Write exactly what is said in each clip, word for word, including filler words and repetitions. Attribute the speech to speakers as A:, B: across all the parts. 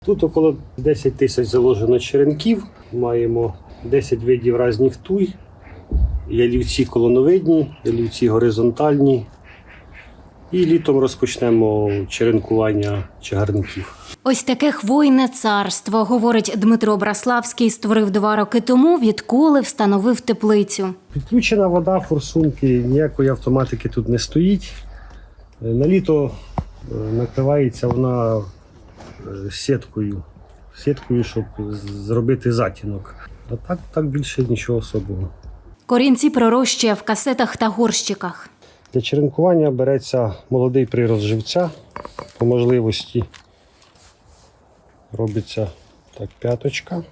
A: Тут около десять тисяч заложено черенків, маємо десять видів різних туй, ялівці колоновидні, ялівці горизонтальні. І літом розпочнемо черенкування чагарників.
B: Ось таке хвойне царство, говорить Дмитро Браславський, створив два роки тому, відколи встановив теплицю.
A: Підключена вода, форсунки, ніякої автоматики тут не стоїть. На літо накривається вона сіткою, сіткою, щоб зробити затінок. А так, так більше нічого особого.
B: Корінці пророщує в касетах та горщиках.
A: Для черенкування береться молодий прирост живця. По можливості робиться так п'яточка.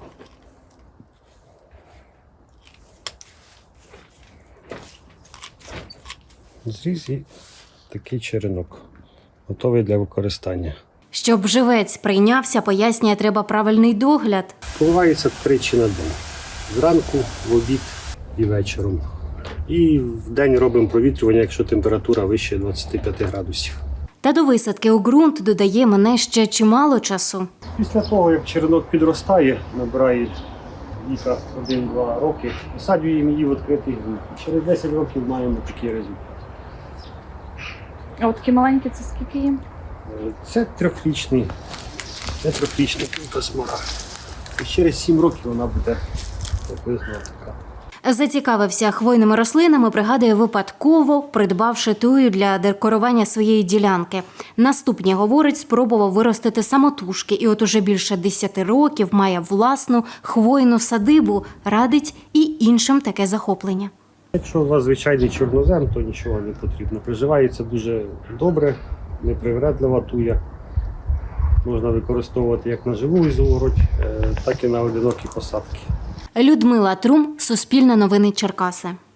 A: Зріз і такий черенок, готовий для використання.
B: Щоб живець прийнявся, пояснює, треба правильний догляд.
A: Поливається тричі на день. Зранку, в обід і вечором. І в день робимо провітрювання, якщо температура вище двадцяти п'яти градусів.
B: Та до висадки у ґрунт, додає, мене ще чимало часу.
A: Після того, як черенок підростає, набирає віка один-два роки, висаджуємо її в відкритий ґрунт. Через десять років маємо такий результат.
C: А от такі маленькі, це скільки їм?
A: Це трьохрічний, це трьохрічний квітосмарагд. І через сім років вона буде приблизно така.
B: Зацікавився хвойними рослинами, пригадує, випадково придбавши тую для декорування своєї ділянки. Наступні, говорить, спробував виростити самотужки. І от уже більше десяти років має власну хвойну садибу. Радить і іншим таке захоплення.
A: Якщо у вас звичайний чорнозем, то нічого не потрібно. Приживається дуже добре, непривередлива туя. Можна використовувати як на живу ізогородь, так і на одинокі посадки.
B: Людмила Трум, Суспільне новини Черкаси.